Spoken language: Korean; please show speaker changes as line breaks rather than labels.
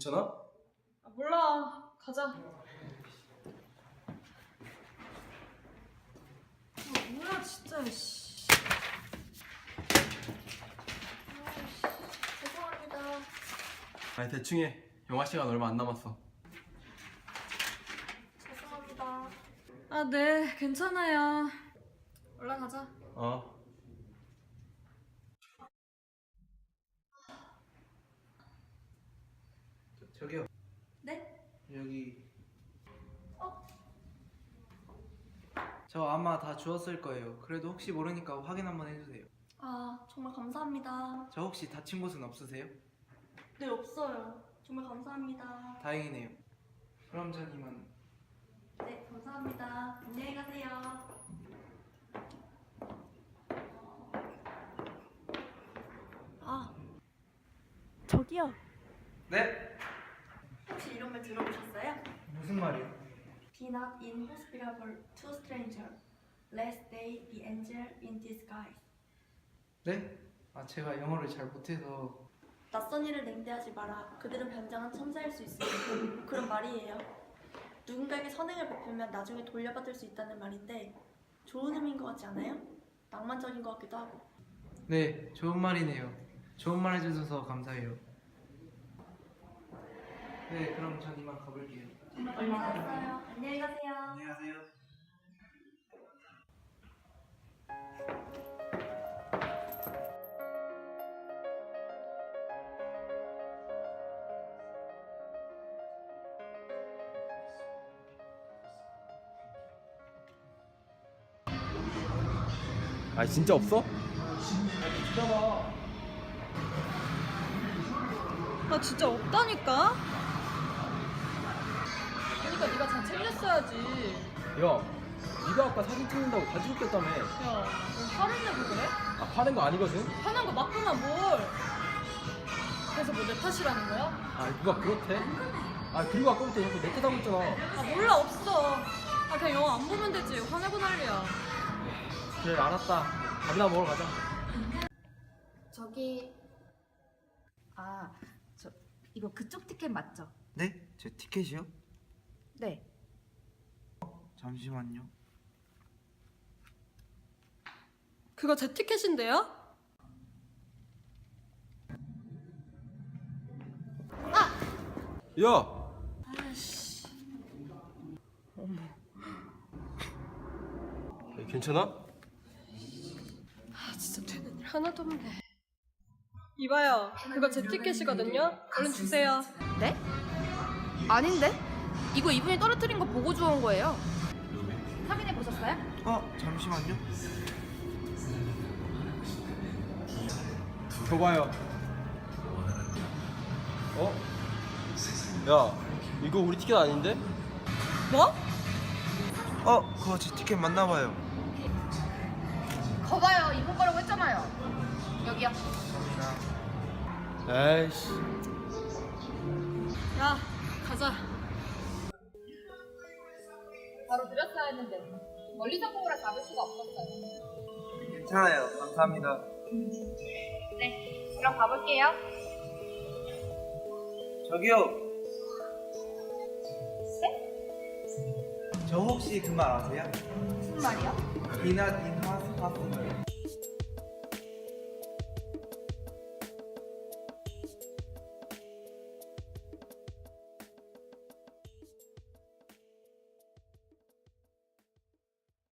괜찮아?
아, 몰라. 가자. 뭐야 진짜. 씨.
죄송합니다.
아니 대충 해. 영화 시간 얼마 안 남았어.
죄송합니다.
아, 네, 괜찮아요. 올라가자.
어.
저기요.
네?
여기.
어?
저 아마 다 주웠을 거예요. 그래도 혹시 모르니까 확인 한번 해주세요.
아, 정말 감사합니다.
저 혹시 다친 곳은 없으세요?
네, 없어요. 정말 감사합니다.
다행이네요. 그럼 전 이만.
네, 감사합니다. 안녕히 가세요. 아, 저기요.
네?
혹시 이런 말 들어보셨어요?
무슨 말이요?
Be not inhospitable to stranger, lest they be angel in disguise.
네? 아 제가 영어를 잘 못해서.
낯선 이를 냉대하지 마라. 그들은 변장한 천사일 수 있습니다. 그런 말이에요. 누군가에게 선행을 베풀면 나중에 돌려받을 수 있다는 말인데 좋은 의미인 것 같지 않아요? 낭만적인 것 같기도 하고.
네, 좋은 말이네요. 좋은 말 해주셔서 감사해요. 네, 그럼 전 이만 가볼게요.
정말 감사했어요. 안녕히 가세요.
안녕하세요.
아 진짜 없어?
나 진짜 없다니까? 그러니까 네가 잘 챙겼어야지.
야, 네가 아까 사진 찍는다고 가지고 있겠다며.
야, 너 화를 내고 그래?
아 파는 거 아니거든?
화난 거 맞구나 뭘. 그래서 뭐 내 탓이라는 거야?
아 누가 그렇대? 아 그리고 아까부터 자꾸 내 탓하고 있잖아.
아, 몰라, 없어. 아, 그냥 영화 안 보면 되지. 화내고 난리야.
그래 알았다. 밥이나 먹으러 가자.
저기 저 이거 그쪽 티켓 맞죠?
네? 제 티켓이요?
네.
잠시만요.
그거 제 티켓인데요?
야.
아이씨.
괜찮아?
아, 진짜 되는 일 하나도 없네. 이봐요, 그거 제 티켓이거든요? 얼른 주세요.
네? 아닌데? 이거 이분이 떨어뜨린 거 보고 주운 거예요. 확인해 보셨어요?
잠시만요.
줘봐요. 어? 야, 이거 우리 티켓 아닌데?
뭐?
그거 제 티켓 맞나봐요.
거봐요, 이분 거라고 했잖아요. 여기요.
에이씨.
야, 가자.
바로 드렸어야 했는데 멀리서 보라 잡을 수가 없었어요.
괜찮아요. 감사합니다.
네, 그럼 가볼게요.
저기요.
네?
저 혹시 그 말 아세요?
무슨 말이요?
Be not in hospitable